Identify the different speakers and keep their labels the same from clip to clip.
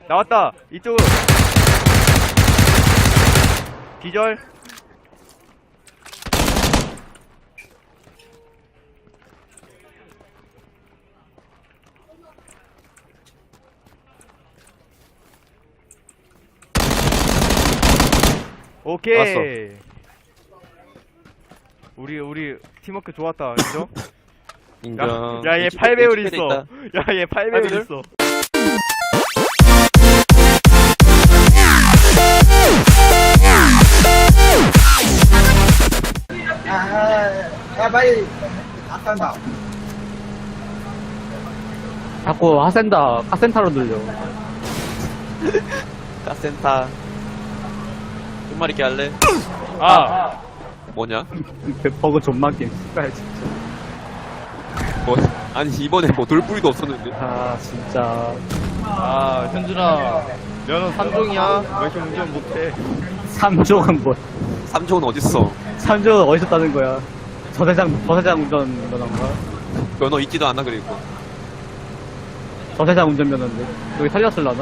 Speaker 1: 나왔다. 이쪽. 기절. 오케이.
Speaker 2: 왔어.
Speaker 1: 우리 팀워크 좋았다. 그죠?
Speaker 2: 인정.
Speaker 1: 야, 얘 8배율 있어. 야, 얘 8배율 있어.
Speaker 3: 야 빨리 앞산다.
Speaker 4: 자꾸 하센다 카센타로 들려.
Speaker 2: 카센타. 끝말 있게 할래?
Speaker 1: 아,
Speaker 2: 뭐냐?
Speaker 4: 버그 존만 게임 씨발 진짜.
Speaker 2: 뭐, 아니, 이번에 뭐 돌뿌리도 없었는데.
Speaker 4: 아 진짜.
Speaker 1: 아, 현준아. 너는 3종이야? 왜 이렇게 운전 못해?
Speaker 4: 3종은 뭐?
Speaker 2: 3종은 어딨어?
Speaker 4: 3종은 어디서 따는 거야? 저세장 운전 면허인가?
Speaker 2: 면허 있지도 않아, 그리고.
Speaker 4: 저세장 운전 면허인데 여기 살렸을라나?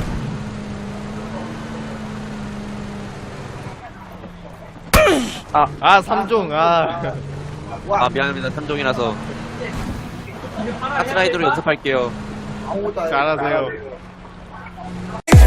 Speaker 1: 아, 3종. 아.
Speaker 2: 아, 미안합니다. 3종이라서. 카트라이더로 연습할게요.
Speaker 3: 아무것도 안 해.
Speaker 1: 잘하세요.